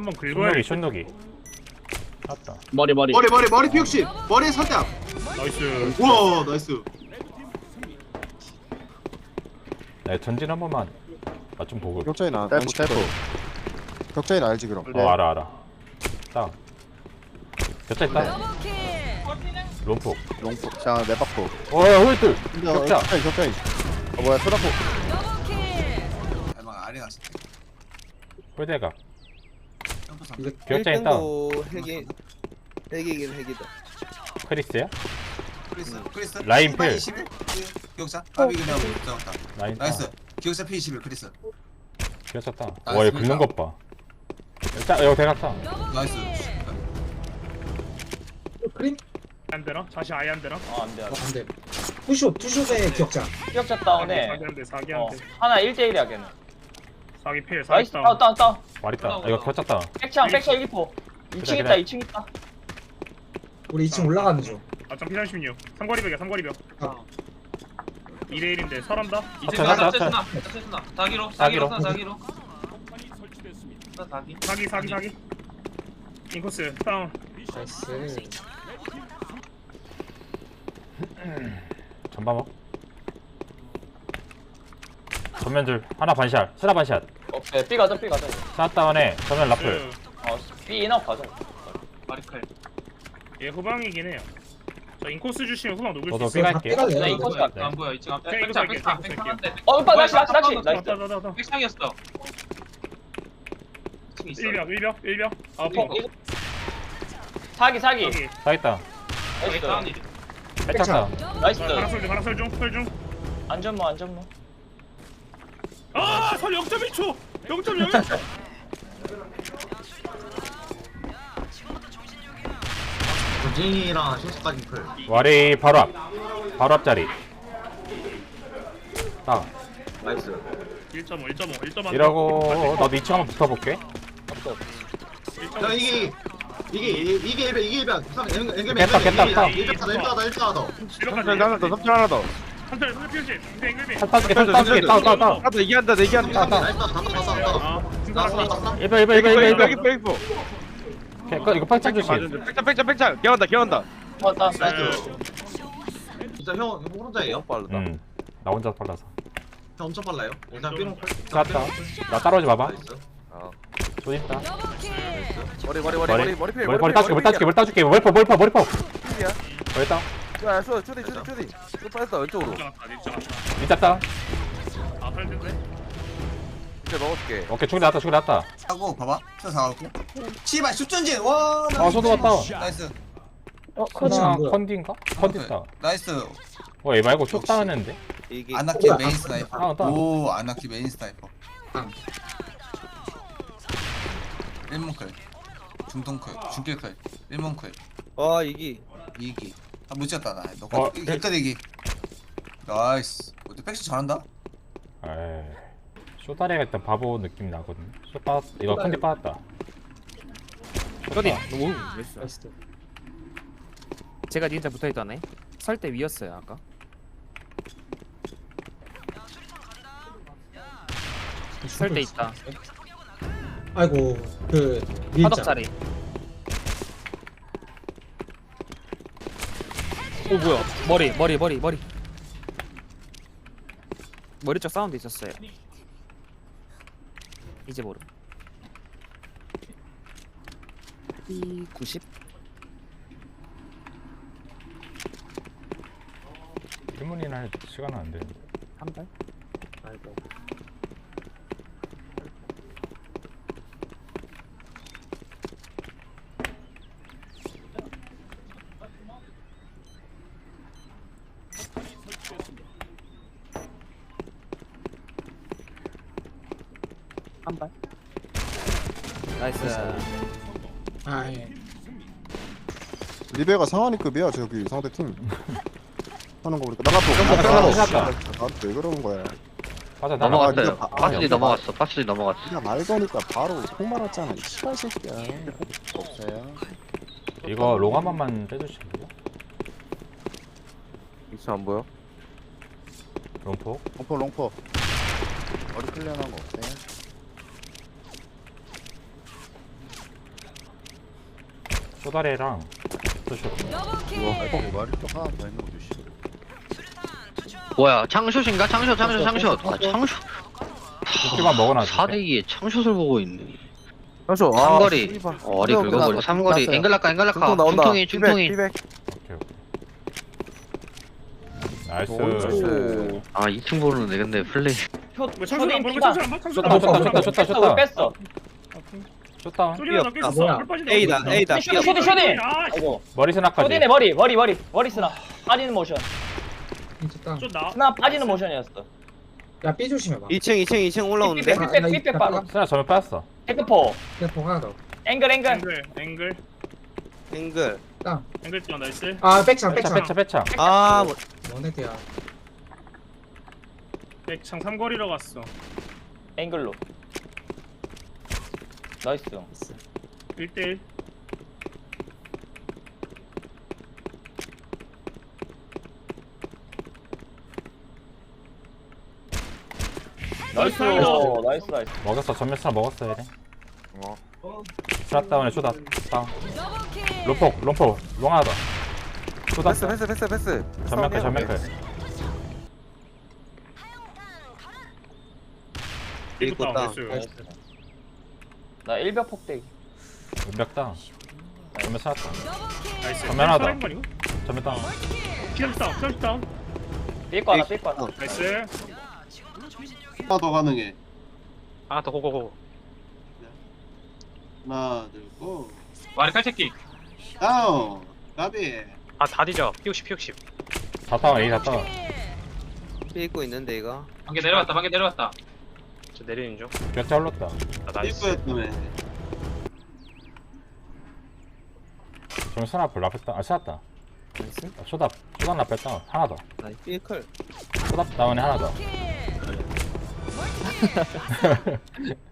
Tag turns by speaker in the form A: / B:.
A: 한번 긁어야.
B: 숏누기 맞다.
C: 머리
D: 피육십 머리에 살짝.
A: 나이스.
D: 우와 나이스.
B: 네, 전진 한 번만 좀 보고.
E: 격자인 안
F: 셀프
E: 시켰어. 격자인 알지 그럼.
B: 알아. 다운. 격자 있다. 롬폭.
F: 롱포 자 내박포
B: 홀들. 격자.
E: 격자인.
F: 뭐야 소다포
D: 대박 아래 갔어.
B: 홀대각.
G: 이거
B: 격자 있다.
G: 핵이긴 핵이다.
B: 크리스야?
D: 크리스.
B: 라인 필.
D: 21. 기억자. 아비 그냥 잡았다.
B: 라인.
D: 나이스. 기억자 P21 크리스.
B: 겼었다.
D: 나이스,
B: 와, 얘 긁는 것 봐. 자, 이거 대각다.
D: 나이스.
G: 크림?
A: 안 되나? 다시 아예 안 되나?
C: 안돼
G: 안돼. 투숍의 기억자.
C: 기억자 다운에
A: 사기한데 사기한데.
C: 하나 1대1이야 걔는.
A: 사기 필. 사기
C: 나이스
A: 다운.
C: 다운
B: 말 있다. 이거 겹쳤다.
C: 백창 1포 2층 있다 2층 있다.
G: 우리 2층 올라가는 중.
A: 아점 P36. 삼거리벽이야 삼거리벽.
G: 아.
A: 2대 1인데 설한다.
B: 합쳐, 합쳐.
H: 사기로
B: 사기로.
H: 사기로
A: 사기. 인코스 다운.
G: 나이스.
B: 전방어. 전면들 하나 반샷. 쓰나 반샷.
C: 오케이 B 가자.
B: 샷다운에 전면 라플.
C: B 인아웃 가자.
H: 마리칼
A: 얘 후방이긴 해요. 저 인코스 주시면 후방 녹을 수
B: 저도
A: 있어.
B: B 갈게요.
G: 나
C: 나 이거 갈게.
H: 안 보여 2층 앞에
A: 네, 이거
H: 백창
A: 갈게,
H: 백창
A: 이거
H: 백창
A: 갈게.
H: 한대
C: 오빠 나이스.
A: 왔다.
C: 나이스.
H: 백창이었어 2층 있어
A: 1벽. 아 퍼.
C: 사기.
A: 여기.
B: 다 있다.
C: 나이스.
H: 다운이
B: 뺏겼다.
C: 나이스.
A: 가라설 중.
C: 안전모.
A: 아, 설 0.1초. 0.01초.
D: 도진이랑 실수까지 클.
B: 와리 바로 앞. 바로 앞자리. 딱.
D: 나이스.
A: 1.5.
B: 이러고 나도 2층 한번 붙어볼게.
D: 야 이게 일변.
B: 깼다.
D: 일변 더.
E: 하나 더. 3천 하나 더.
A: 한달 피우시. 앵글비.
B: 살 따줄게. 따.
E: 나도 얘기한다.
A: 아, 승산았어.
B: 1번. 이거 팔짱 조심.
E: 팽창. 개운다.
C: 왔다.
D: 진짜 형 혼자예요?
F: 빠르다
B: 나 혼자 빨라서.
D: 형 엄청 빨라요. 일단 삐롱.
B: 쐈다. 나 따라오지 마봐.
D: 나이스.
B: 돈 있다.
F: 머리
B: 머리 따줄게. 머리퍼. 머리 따.
F: 야 쇼디 쇼 빠졌다 왼쪽으로
B: 미쳤다.
A: 아, 팔 텐데.
F: 이제 먹어줄게
B: 오케이, 충이 나왔다.
D: 하고 봐봐. 저 사갖고. 씨발 슛전진. 와.
B: 소도 왔다.
D: 나이스.
G: 커지가 안 보여.
B: 컨디인가? 컨디다.
D: 나이스.
B: 얘 말고 슛 따는데?
D: 아나키 메인 스나이퍼.
B: 따.
D: 오 아나키 메인 스나이퍼.
G: 응.
D: 1문클 중동클 중길클 1문클
G: 와 이기.
D: 2기 못 찍었다 나 너. 객다대기. 나이스. 어때 백스 잘한다.
B: 에이. 슛 따래가 일단 바보 느낌 나거든. 슛 빠졌. 이거 컨디 빠졌다.
I: 쇼디 오
G: 나이스.
I: 제가 니한테 붙어있다네 설 때 위였어요 아까 설 때 있다
G: 아이고 그 밀자.
I: 화덕자리 오 뭐야 머리 쪽 사운드 있었어요 이제 모름 B90
B: 1문이나 할 시간은 안 되는데.
I: 한발
G: 아이고.
I: 한발 나이스
G: 아 예.
E: 리베가 상하니급이야 저기 상대팀. 하는 거 보니까 나가도 나한테 왜 그러는 거야.
B: 맞아,
E: 넘어갔어요.
F: 파스리 넘어갔어
E: 그냥 말 거니까 바로 폭 말았잖아. 이 씨발 새끼야. 없어요.
B: 이거 롱 한 번만 빼주실래요?
F: 익스 안 보여?
B: 롱포?
E: 롱포. 머리 클리어한 거 없어요?
B: 쇼다리랑 쇼쇼.
E: 말이 또 하나 더 있는 거지.
F: 뭐야 창슛인가? 창슛 창슛 창슛. 아 창슛.
B: 두개만 먹어놔.
F: 4대2에 창슛을 보고 있네.
E: 잠시만.
F: 삼거리. 어리 긁어버려. 삼거리. 앵글라카 앵글라카.
E: 중통 나온다.
F: 중통이 중통이.
E: 피백.
B: 오케이 오케이. 나이스.
E: 나이스.
F: 아 2층 보는데 근데 플레이.
A: 뭐 창술 안 보는 거 창술 안 봐? 창술
B: 줬다
A: 안
B: 줬다
A: 봐?
B: 줬다 줬다
C: 뺐어
B: 줬다.
C: 뺐어.
B: 줬다.
A: 소리가 낚여 있었어.
G: 뭐야?
A: 물 빠진다.
G: A다,
A: 물
G: A다.
A: 빠진다.
C: 쇼디 쇼디.
A: 아, 씨.
C: 아이고.
B: 머리 스나까지.
C: 쇼디네 머리 스나. 빠지는 모션.
G: 진짜 땅.
A: 좀 나.
C: 스나 빠지는 모션이었어.
G: 야 B 조심해봐.
I: 2층 올라오는데.
C: 삐백 바로.
B: 스나 전면 빠졌어.
C: 테크포.
G: 대포 하나 더.
C: 앵글.
A: 앵글.
I: 앵글.
G: 땅.
A: 앵글 뛰어 나이스.
G: 아 백창
B: 빼차
G: 백창.
B: 빼차 빼차.
I: 아,
G: 원헤드야.
A: 백창 삼거리로 갔어.
C: 앵글로. 나이스.
A: 1대1.
C: 나이스. 나이스.
B: 먹었어. 전면 스나 먹었어 얘네.
E: 어.
B: 스나 다운에 쇼다 다운. 롬포 롱 하나 더. 쇼다
E: 패스.
B: 전면 클.
A: 일부터
I: 땅.
A: 나이스.
C: 나 1벽 폭대기.
B: 은벽 다운. 전면 스나 다운.
A: 나이스.
B: 전면 하나 더.
A: 살아있는 거 아니고?
B: 전면 다운.
A: 피업 다운.
C: 삐거 하나.
A: 나이스.
D: 하나 더 가능해.
H: 하나 더 고고고.
D: 하나 둘 고.
H: 마리칼 새끼.
D: 다운. 까비.
H: 다 뒤져. P60.
B: 다 다운 A 다 다운.
I: 삐고 있는데 이거.
H: 반개 내려왔다. 저 내리는 중.
B: 격자 흘렀다.
H: 나이스.
D: 일부였다며.
B: 전면 스나 앞을 라뺐다. 아 스나다.
I: 나이스.
B: 쇼다 라뺐 다운. 하나 더.
I: 나이 삐클.
B: 쇼다 다운에 하나 더.